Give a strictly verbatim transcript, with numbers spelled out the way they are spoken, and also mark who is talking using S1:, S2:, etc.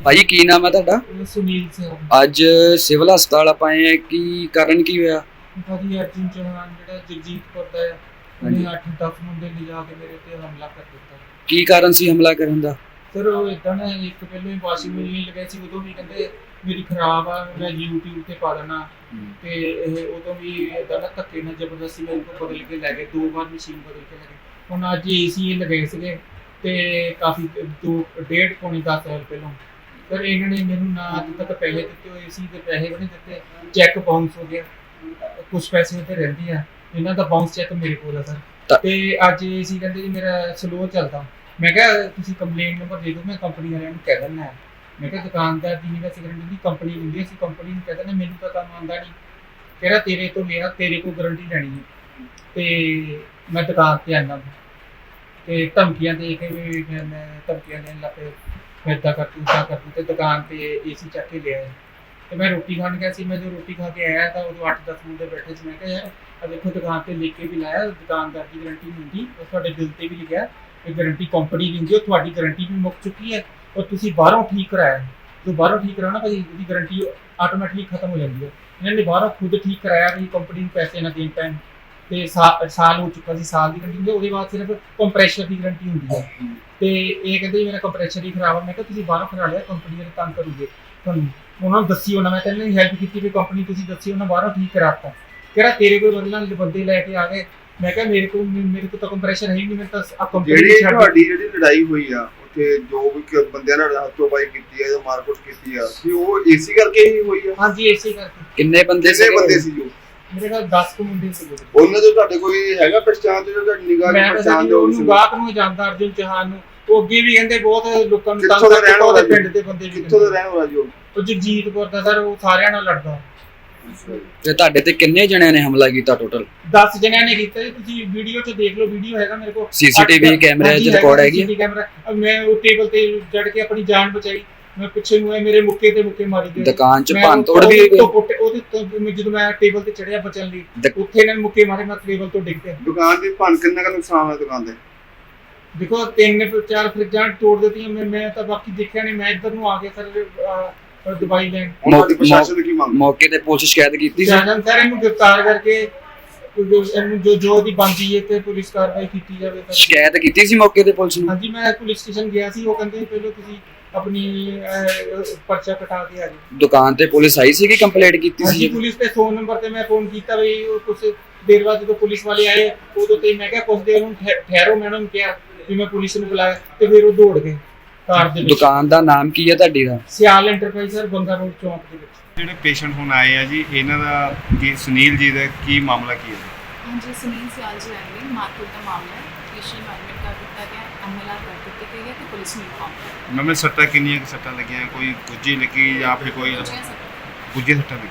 S1: ਭਾਜੀ ਕੀ ਨਾਮ ਹੈ ਤੁਹਾਡਾ?
S2: ਸੁਨੀਲ ਸਰ।
S1: ਅੱਜ ਸਿਵਲ ਹਸਪਤਾਲ ਆਪਾਂ ਆਏ ਆ, ਕੀ ਕਾਰਨ ਕੀ ਹੋਇਆ?
S2: ਭਾਜੀ ਅਰਜੁਨ ਚੌਹਾਨ ਜਿਹੜਾ ਜਗਜੀਤਪੁਰ ਦਾ ਹੈ, ਉਹਨੇ ਅੱਠ ਦਸ ਮੁੰਡੇ ਲਿਜਾ ਕੇ ਮੇਰੇ ਤੇ ਹਮਲਾ ਕਰ ਦਿੱਤਾ।
S1: ਕੀ ਕਾਰਨ ਸੀ ਹਮਲਾ ਕਰਨ ਦਾ?
S2: ਸਰ ਉਹ ਇਦਾਂ ਨਾ, ਇੱਕ ਪਹਿਲਾਂ ਹੀ ਵਾਸ਼ਿੰਗ ਮਸ਼ੀਨ ਲਗਾਈ ਸੀ, ਉਦੋਂ ਵੀ ਕਹਿੰਦੇ ਮੇਰੀ ਖਰਾਬ ਆ, ਮੈਂ YouTube ਤੇ ਪਾ ਦੇਣਾ। ਤੇ ਇਹ ਉਦੋਂ ਵੀ ਇਦਾਂ ਨਾ ਧੱਕੇ ਨਾਲ ਜ਼ਬਰਦਸਤੀ ਮੇਰੇ ਕੋਲ ਬਦਲ ਕੇ ਲੈ ਗਏ, ਦੋ ਵਾਰ ਮਸ਼ੀਨ ਬਦਲ ਕੇ ਲੈ ਗਏ। ਹੁਣ ਅੱਜ ਏਸੀ ਲਗਾਏ ਸੀਗੇ ਤੇ ਕਾਫੀ ਦੋ ਡੇਢ ਪੌਣੀ ਦਸ ਸਾਲ ਪਹਿਲਾਂ ਸਰ ਇਹਨਾਂ ਨੇ ਮੈਨੂੰ ਨਾ ਅੱਜ ਤੱਕ ਪੈਸੇ ਦਿੱਤੇ ਹੋਏ ਸੀ, ਤੇ ਪੈਸੇ ਵੀ ਨਹੀਂ ਦਿੱਤੇ। ਚੈੱਕ ਬਾਉਂਸ ਹੋ ਗਿਆ, ਕੁਝ ਪੈਸੇ ਉੱਤੇ ਰਹਿੰਦੇ ਆ, ਇਹਨਾਂ ਦਾ ਬਾਉਂਸ ਚੈੱਕ ਮੇਰੇ ਕੋਲ ਆ ਸਰ। ਤੇ ਅੱਜ ਏਸੀ ਕਹਿੰਦੇ ਜੀ ਮੇਰਾ ਸਲੋ ਚੱਲਦਾ। ਮੈਂ ਕਿਹਾ ਤੁਸੀਂ ਕੰਪਲੇਂਟ ਨੰਬਰ ਦੇ ਦਿਓ, ਮੈਂ ਕੰਪਨੀ ਵਾਲਿਆਂ ਨੂੰ ਕਹਿ ਦਿੰਦਾ। ਮੈਂ ਕਿਹਾ ਦੁਕਾਨਦਾਰ ਦੀ ਨਹੀਂ ਵੈਸੇ ਗਰੰਟੀ ਦੀ ਕੰਪਨੀ ਦਿੰਦੀ, ਅਸੀਂ ਕੰਪਨੀ ਨੂੰ ਕਹਿ ਦਿੰਦੇ, ਮੈਨੂੰ ਤਾਂ ਕੰਮ ਆਉਂਦਾ ਨਹੀਂ। ਕਹਿੰਦਾ ਤੇਰੇ ਤੋਂ ਮੇਰਾ ਤੇਰੇ ਕੋਲ ਗਰੰਟੀ ਲੈਣੀ ਹੈ। ਤੇ ਮੈਂ ਦੁਕਾਨ ਤੇ ਆਉਂਦਾ ਤੇ ਧਮਕੀਆਂ ਦੇ ਕੇ ਵੀ ਮੈਂ ਧਮਕੀਆਂ ਦੇਣ ਲੱਗ ਪਏ, ਮੈਂ ਇੱਦਾਂ ਕਰ ਤੂੰ ਇੱਦਾਂ ਕਰ ਤੂੰ। ਤੇ ਦੁਕਾਨ ਤੇ ਏਸੀ ਚੱਕ ਕੇ ਲਿਆਏ ਤੇ ਮੈਂ ਰੋਟੀ ਖਾਣ ਗਿਆ ਸੀ। ਮੈਂ ਜੋ ਰੋਟੀ ਖਾ ਕੇ ਆਇਆ ਤਾਂ ਉਦੋਂ ਅੱਠ ਦਸ ਮੁੰਡੇ ਬੈਠੇ ਸੀ। ਮੈਂ ਕਿਹਾ ਯਾਰ ਆ ਦੇਖੋ ਦੁਕਾਨ ਤੇ ਲਿਖ ਕੇ ਵੀ ਲਾਇਆ, ਦੁਕਾਨਦਾਰ ਦੀ ਗਰੰਟੀ ਨਹੀਂ ਹੁੰਦੀ, ਉਹ ਤੁਹਾਡੇ ਬਿੱਲ ਤੇ ਵੀ ਲਿਖਿਆ ਇਹ ਗਰੰਟੀ ਕੰਪਨੀ ਦਿੰਦੀ ਹੈ, ਤੁਹਾਡੀ ਗਰੰਟੀ ਵੀ ਮੁੱਕ ਚੁੱਕੀ ਹੈ ਔਰ ਤੁਸੀਂ ਬਾਹਰੋਂ ਠੀਕ ਕਰਾਇਆ। ਜੋ ਬਾਹਰੋਂ ਠੀਕ ਕਰਾਉਣਾ ਭਾਜੀ ਉਹਦੀ ਗਰੰਟੀ ਆਟੋਮੈਟਿਕਲੀ ਖਤਮ ਹੋ ਜਾਂਦੀ ਹੈ। ਇਹਨਾਂ ਨੇ ਬਾਹਰੋਂ ਖੁਦ ਠੀਕ ਕਰਾਇਆ ਵੀ ਕੰਪਨੀ ਨੂੰ ਪੈਸੇ ਨਾ ਦੇਣ ਪੈਣ। ਤੇ ਸਾਲ ਹੋ ਚੁੱਕਾ ਸੀ, ਸਾਲ ਦੀ ਗਰੰਟੀ ਹੁੰਦੀ, ਉਹਦੇ ਬਾਅਦ ਸਿਰਫ ਕੰਪਰੈਸ਼ਰ ਦੀ ਗਰੰਟੀ ਹੁੰਦੀ ਹੈ। ਤੇ ਇਹ ਕਹਿੰਦੇ ਮੇਰਾ ਕੰਪਰੈਸ਼ਰ ਹੀ ਖਰਾਬ ਆ। ਮੈਂ ਕਿਹਾ ਤੁਸੀਂ ਬਾਹਰੋਂ ਕਰਾ ਲਿਆ, ਕੰਪਨੀ ਵਾਲੇ ਤੰਗ ਕਰੂਗੇ ਤੁਹਾਨੂੰ, ਉਹਨਾਂ ਨੂੰ ਦੱਸੀ ਉਹਨਾਂ। ਮੈਂ ਤਾਂ ਨਹੀਂ ਹੈਲਪ ਕੀਤੀ ਵੀ ਕੰਪਨੀ ਤੁਸੀਂ ਦੱਸੀ, ਉਹਨਾਂ ਬਾਹਰੋਂ ਠੀਕ ਕਰਾਤਾ। ਕਿਹੜਾ ਤੇਰੇ ਕੋਲ ਬਦਲਾਂ ਬੰਦੇ ਲੈ ਕੇ ਆ ਗਏ। ਮੈਂ ਕਿਹਾ ਮੇਰੇ ਕੋਲ ਮੇਰੇ ਕੋਲ ਤਾਂ ਕੰਪਰੈਸ਼ਰ ਹੈ ਹੀ ਨਹੀਂ, ਮੈਂ ਤਾਂ ਕੰਪਨੀ
S3: ਜਿਹੜੀ ਤੁਹਾਡੀ ਜਿਹੜੀ ਲੜਾਈ ਹੋਈ ਆ ਉੱਥੇ, ਜੋ ਵੀ ਬੰਦਿਆਂ ਨਾਲ ਹੱਥੋਂ ਪਾਈ ਕੀਤੀ ਆ ਜਾਂ ਮਾਰਕੁੱਟ ਕੀਤੀ ਆ, ਕਿ ਉਹ ਏਸੀ ਕਰਕੇ ਹੀ ਹੋਈ ਆ?
S2: ਹਾਂਜੀ ਏਸੀ ਕਰਕੇ।
S1: ਕਿੰਨੇ ਬੰਦੇ
S3: ਕਿੰਨੇ ਬੰਦੇ ਸੀ ਜੋ?
S2: ਮੇਰੇ ਕੋਲ ਦਸ ਕੁ ਮੁੰਡੇ ਸੀ।
S3: ਉਹਨਾਂ ਤੋਂ ਤੁਹਾਡੇ ਕੋਈ ਹੈਗਾ ਪਛਾਣ ਤੇ, ਜੋ ਤੁਹਾਡੀ ਨਿਗਾਹ
S2: ਮੈਂ
S3: ਪਛਾਣ
S2: ਤਾਂ ਉਹਨੂੰ ਗਾਹਕ ਨੂੰ ਜਾਣਦਾ, ਅਰਜੁਨ ਚੌਹਾਨ ਨੂੰ। ਉਹ ਅੱਗੇ ਵੀ ਕਹਿੰਦੇ ਬਹੁਤ ਲੋਕਾਂ ਨੂੰ ਤੰਗ
S3: ਕਰਦਾ, ਉਹਦੇ
S2: ਪਿੰਡ ਦੇ ਬੰਦੇ ਵੀ।
S3: ਕਿੱਥੋਂ ਦਾ ਰਹਿਣ ਵਾਲਾ ਜੀ ਉਹ?
S2: ਉਹ ਜਗਜੀਤਪੁਰ ਦਾ ਸਰ, ਉਹ ਸਾਰਿਆਂ ਨਾਲ ਲੜਦਾ।
S1: ਤੇ ਤੁਹਾਡੇ ਤੇ ਕਿੰਨੇ ਜਣਿਆਂ ਨੇ ਹਮਲਾ ਕੀਤਾ ਟੋਟਲ?
S2: ਦਸ ਜਣਿਆਂ ਨੇ ਕੀਤਾ ਜੀ, ਤੁਸੀਂ ਵੀਡੀਓ 'ਚ ਦੇਖ ਲਓ, ਵੀਡੀਓ ਹੈਗਾ ਮੇਰੇ ਕੋਲ,
S1: ਸੀਸੀਟੀਵੀ ਕੈਮਰੇ 'ਚ ਰਿਕਾਰਡ ਹੈਗੀ ਹੈ।
S2: ਕੈਮਰਾ ਮੈਂ ਉਹ ਟੇਬਲ ਤੇ ਚੜ ਕੇ ਆਪਣੀ ਜਾਨ ਬਚਾਈ। ਮੈਂ ਪਿੱਛੇ ਨੂੰ ਆਏ, ਮੇਰੇ ਮੁੱਕੇ ਤੇ ਮੁੱਕੇ ਮਾਰੀ ਗਏ।
S1: ਦੁਕਾਨ 'ਚ ਭੰਨ ਤੋੜ ਵੀ ਹੋਈ?
S2: ਉਹਦੇ ਤੋਂ ਜਦੋਂ ਮੈਂ ਟੇਬਲ ਤੇ ਚੜਿਆ ਬਚਣ ਲਈ, ਉੱਥੇ ਇਹਨਾਂ ਨੇ ਮੁੱਕੇ ਮਾਰੇ, ਮੈਂ ਟੇਬਲ ਤੋਂ ਡਿੱਗ ਪਿਆ।
S3: ਦੁਕਾਨ ਦੀ ਭੰਨ ਕਿੰਨਾ ਕੁ ਨੁਕਸਾਨ ਹੋਇਆ ਦੁਕਾਨ ਦੇ?
S2: ਦੇਖੋ ਤਿੰਨ ਚਾਰ ਫਰਿੱਜਾਂ ਤੋੜ ਦਿੱਤੀਆਂ। ਮੈਂ ਮੈਂ ਤਾਂ ਬਾਕੀ ਦੇਖਿਆ ਨਹੀਂ, ਮੈਂ ਇੱਧਰ ਨੂੰ ਆ ਗਿਆ ਸਰ ਦਵਾਈ ਲੈਣ।
S3: ਉਹਨਾਂ ਦੀ ਪ੍ਰਸ਼ਾਸਨ ਕੀ ਮੰਗ?
S1: ਮੌਕੇ ਤੇ ਪੁਲਿਸ ਸ਼ਿਕਾਇਤ ਕੀਤੀ ਸੀ?
S2: ਸਰ ਇਹਨੂੰ ਗ੍ਰਿਫਤਾਰ ਕਰਕੇ ਇਹਨੂੰ ਜੋ ਜੋ ਦੀ ਬਣਦੀ ਹੈ ਤੇ ਪੁਲਿਸ ਕਾਰਵਾਈ ਕੀਤੀ ਜਾਵੇ।
S1: ਸ਼ਿਕਾਇਤ ਕੀਤੀ ਸੀ ਮੌਕੇ ਤੇ ਪੁਲਿਸ ਨੂੰ?
S2: ਹਾਂਜੀ ਮੈਂ ਪੁਲਿਸ ਸਟੇਸ਼ਨ ਗਿਆ ਸੀ, ਉਹ ਕਹਿੰਦੇ ਪਹਿਲਾਂ ਤੁਸੀਂ ਆਪਣੀ ਪਰਚਾ ਕਟਾ ਕੇ ਆ ਜਾਓ।
S1: ਦੁਕਾਨ ਤੇ ਪੁਲਿਸ ਆਈ ਸੀ ਕਿ ਕੰਪਲੇਂਟ ਕੀਤੀ ਸੀ?
S2: ਹਾਂਜੀ ਪੁਲਿਸ ਤੇ ਫੋਨ ਨੰਬਰ ਤੇ ਮੈਂ ਫੋਨ ਕੀਤਾ ਵੀ ਕੁਝ ਦੇਰ ਬਾਅਦ ਜਦੋਂ ਪੁਲਿਸ ਵਾਲੇ ਆਏ ਉਦੋਂ ਤੇ ਮੈਂ ਕਿਹਾ ਕੁਝ ਦੇਰ ਨੂੰ ਠਹਿਰੋ, ਮੈਂ ਉਹਨਾਂ ਨੂੰ ਕਿਹਾ ਵੀ ਮੈਂ ਪੁਲਿਸ ਨੂੰ ਬੁਲਾਇਆ ਤੇ ਫਿਰ ਉਹ ਦੌੜ ਗਏ ਕਾਰ ਦੇ ਵਿੱਚ।
S1: ਦੁਕਾਨ ਦਾ ਨਾਮ ਕੀ ਹੈ ਤੁਹਾਡੀ ਦਾ?
S2: ਸਿਆਲ ਐਂਟਰਪ੍ਰਾਈਜ਼ ਸਰ, ਬੰਗਾ ਰੋਡ ਚੌਂਕ ਦੇ ਵਿੱਚ।
S4: ਜਿਹੜੇ ਪੇਸ਼ੈਂਟ ਹੁਣ ਆਏ ਆ ਜੀ, ਇਹਨਾਂ ਦਾ ਕੀ ਸੁਨੀਲ ਜੀ ਦਾ ਕੀ ਮਾਮਲਾ ਕੀ ਹੈ?
S5: ਹਾਂਜੀ ਸੁਨੀਲ ਸਿਆਲ ਜੀ ਆਏ ਨੇ, ਮਾਰਕੀਟ ਦਾ ਮਾਮਲਾ ਹੈ। ਪੇਸ਼ੈਂਟ ਐਡਮਿਟ ਕਰ ਦਿੱਤਾ ਗਿਆ, ਐਮਐਲਆਰ ਕਰ ਦਿੱਤੀ ਗਈ ਹੈ ਤੇ ਪੁਲਿਸ ਨੂੰ ਇਨਫੋਰਮ ਕਰ ਦਿੱਤਾ।
S4: ਮੈਮ ਸੱਟਾਂ ਕਿੰਨੀਆਂ ਕੁ ਸੱਟਾਂ ਲੱਗੀਆਂ? ਕੋਈ ਗੁੱਜੀ ਲੱਗੀ ਜਾਂ ਫਿਰ ਕੋਈ
S5: ਗਿਆ।
S4: ਗੁੱਜੀ ਸੱਟਾਂ ਲੱਗੀ?